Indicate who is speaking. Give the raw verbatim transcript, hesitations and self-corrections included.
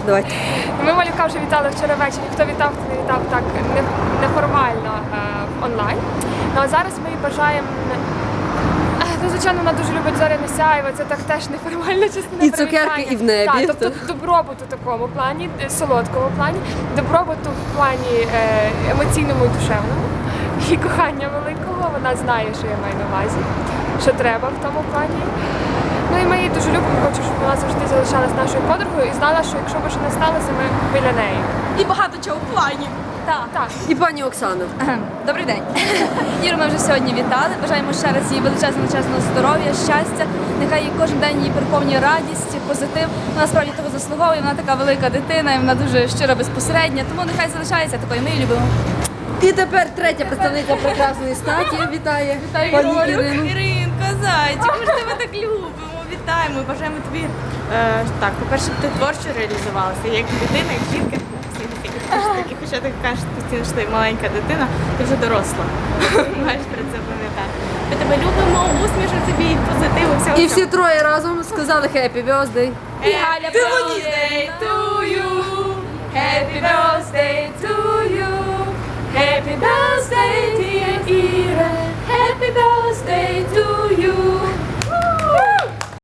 Speaker 1: давайте.
Speaker 2: Ми малюка вже вітали вчора ввечері. Хто вітав, хто не вітав так не- неформально е, онлайн. Ну а зараз ми їй бажаємо. е, Ну, звичайно, вона дуже любить зоряне сяйво, це так теж неформальна частина
Speaker 1: І цукерки,
Speaker 2: привітання.
Speaker 1: і в небі.
Speaker 2: Так, тобто добробуту в такому плані, е, солодкому плані, добробуту в плані е, емоційному і душевному, і кохання великого. Вона знає, що я маю на увазі, що треба в тому плані. Ну і ми її дуже любимо, хочу, щоб вона завжди залишалась нашою подругою і знала, що якщо б що не сталося, ми біля неї.
Speaker 3: І багато чого в плані.
Speaker 2: Так, так.
Speaker 1: І пані Оксано.
Speaker 3: Добрий день. Іру ми вже сьогодні вітали. Бажаємо ще раз їй величезного чесного здоров'я, щастя. Нехай їй кожен день її переповнює радість, позитив. Вона справді того заслуговує, вона така велика дитина, і вона дуже щира, безпосередня. Тому нехай залишається такою. Ми її любимо.
Speaker 1: І тепер третя представниця прекрасної статі вітає пані Ірину.
Speaker 4: Іринка, зайчик, ми ж тебе так любимо, вітаємо і бажаємо тобі, е, так, по-перше, ти творчо реалізувалася, як дитина, як жінка. Такі, хоча ти кажеш постійно, що ти маленька дитина, ти вже доросла. Маєш про це пам'ятати. Ми тебе любимо, усмішок тобі, позитиву, всього.
Speaker 1: І всі троє разом сказали Happy Birthday.
Speaker 4: І Галя, birthday to you, happy birthday to